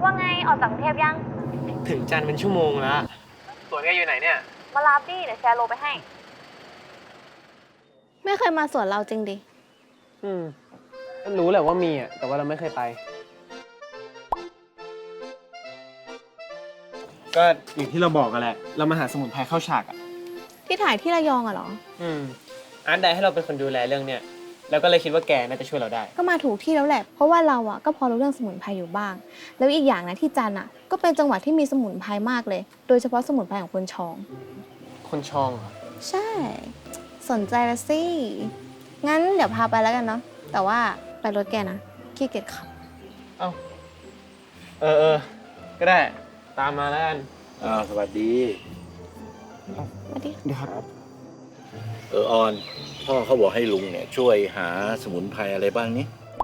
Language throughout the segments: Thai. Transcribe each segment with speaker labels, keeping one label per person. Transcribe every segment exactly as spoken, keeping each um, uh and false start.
Speaker 1: ว่าไงออกจากกรุงเทพยัง
Speaker 2: ถึงจันทร์เป็นชั่วโมงแล้วสวนแกอยู่ไหนเนี่ย
Speaker 1: มารับดิเดี๋ยวแชร์โลไปให้
Speaker 3: ไม่เคยมาสวนเราจริงดิ
Speaker 2: อืมรู้แหละว่ามีอ่ะแต่ว่าเราไม่เคยไปก็อย่างที่เราบอกกันแหละเรามาหาสมุนไพรเข้าฉากอ่ะ
Speaker 3: ที่ถ่ายที่ระยองอะเหรอ
Speaker 2: อืมอาร์ตไดให้เราเป็นคนดูแลเรื่องเนี้ยแล้วก็เลยคิดว่าแกน่าจะช่วยเราได้
Speaker 3: ก็มาถูกที่แล้วแหละเพราะว่าเราอะก็พอรู้เรื่องสมุนไพรอยู่บ้างแล้วอีกอย่างนะที่จันอะก็เป็นจังหวัดที่มีสมุนไพรมากเลย โดยเฉพาะสมุนไพรของคนชอง
Speaker 2: คนชองเหรอ
Speaker 3: ใช่สนใจละสิงั้นเดี๋ยวพาไปแล้วกันเนาะแต่ว่าไปรถแกนะขี้เกียจขับ
Speaker 2: เอ้าเออเออก็ได้ตามมาแล้วกัน
Speaker 4: อ้าวสวัสดี
Speaker 3: สวัสดี
Speaker 2: เดี๋ยวครับ
Speaker 4: เออออนพ่อเขาบอกให้ลุงเนี่ยช่วยหาสมุนไพรอะไรบ้างนี้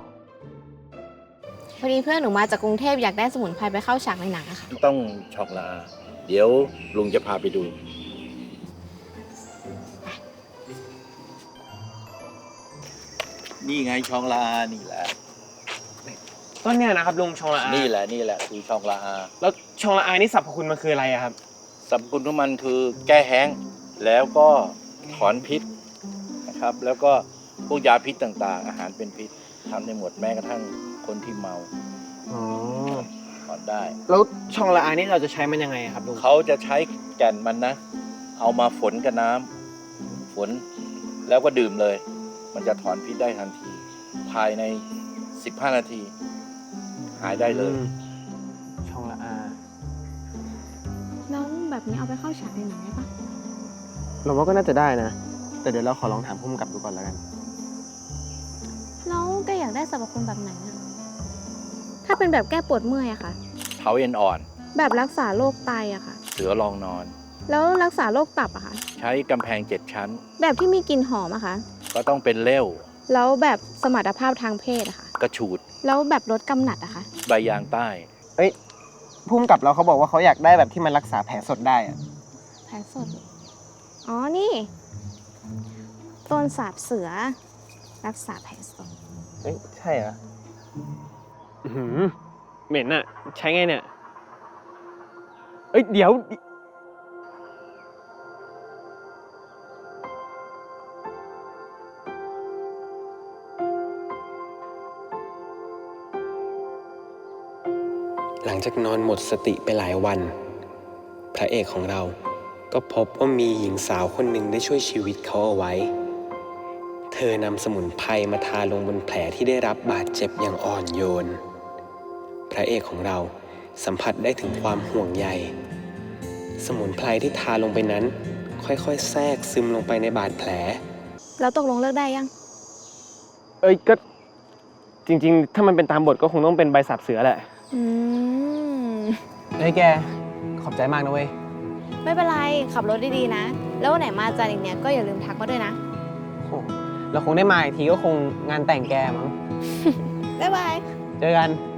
Speaker 3: พอดีเพื่อนหนูมาจากกรุงเทพอยากได้สมุนไพรไปเข้าฉากในหนังอะค่ะ
Speaker 4: ต้องช็อกลาเดี๋ยวลุงจะพาไปดูนี่ไงชองลานี่แหละ
Speaker 2: ต้นเนี่ยนะครับลุงชองละอา
Speaker 4: นี่แหละนี่แหละคือชองลา
Speaker 2: แล้วชองละอานี่สรรพคุณมันคืออะไรอะครับ
Speaker 4: สรรพคุณของมันคือแก้แห้งแล้วก็ถอนพิษนะครับแล้วก็พวกยาพิษต่างๆอาหารเป็นพิษทำได้หมดแม้กระทั่งคนที่เมา
Speaker 2: อ๋อ
Speaker 4: ถอนได้
Speaker 2: แล้วชองละอานี่เราจะใช้มันยังไงครับลุง
Speaker 4: เขาจะใช้แก่นมันนะเอามาฝนกับน้ำฝนแล้วก็ดื่มเลยมันจะถอนพิษได้ทันทีภายในสิบห้านาทีหายได้เลย
Speaker 2: ชองละอา
Speaker 3: แล้วแบบนี้เอาไปเข้าฉากในหนังได้ปะ
Speaker 2: เราว่าก็น่าจะได้นะแต่เดี๋ยวเราขอลองถามผู้กำกับดูก่อนแล้วกัน
Speaker 3: แล้วแกอยากได้สรรพคุณแบบไหนอะถ้าเป็นแบบแก้ปวดเมื่อยอะค่ะ
Speaker 4: เท้าเอ็นอ่อน
Speaker 3: แบบรักษาโรคไตอะค่ะ
Speaker 4: เสือรองนอน
Speaker 3: แล้วรักษาโรคตับอะค่ะ
Speaker 4: ใช้กำแพงเจ็ดชั้น
Speaker 3: แบบที่มีกลิ่นหอมอะค่ะ
Speaker 4: ก็ต้องเป็นเล่ว
Speaker 3: แล้วแบบสมรรถภาพทางเพศอะค่ะ
Speaker 4: กระฉูด
Speaker 3: แล้วแบบลดกำหนัดอะค่ะ
Speaker 4: ใบยางใต้
Speaker 2: เอ้ยผู้กำกับเราเขาบอกว่าเขาอยากได้แบบที่มันรักษาแผลสดได้อะ
Speaker 3: แผลสดอ๋อนี่ต้นสาบเสือรักษาแผลสด
Speaker 2: เอ้ยใช่เหรอหืมเหม็นอะใช้ไงเนี่ยเอ้ยเดี๋ยว
Speaker 5: หลังจากนอนหมดสติไปหลายวันพระเอกของเราก็พบว่ามีหญิงสาวคนหนึ่งได้ช่วยชีวิตเขาเอาไว้เธอนำสมุนไพรมาทาลงบนแผลที่ได้รับบาดเจ็บอย่างอ่อนโยนพระเอกของเราสัมผัสได้ถึงความห่วงใยสมุนไพรที่ทาลงไปนั้นค่อยๆแทรกซึมลงไปในบาดแผล
Speaker 3: แล้วตกลงเลิกได้ยัง
Speaker 2: เอ้ยก็จริงๆถ้ามันเป็นตามบทก็คงต้องเป็นใบสาบเสือแหละ
Speaker 3: อืม
Speaker 2: เฮ้ยแกขอบใจมากนะเว้ย
Speaker 3: ไม่เป็นไรขับรถดีๆนะแล้ววันไหนมาจันอีกเนี้ยก็อย่าลืมทักมาด้วยนะ
Speaker 2: โอ้เราคงได้มาอีกทีก็คงงานแต่งแกมั้ง
Speaker 3: บ๊ายบาย
Speaker 2: เจอกัน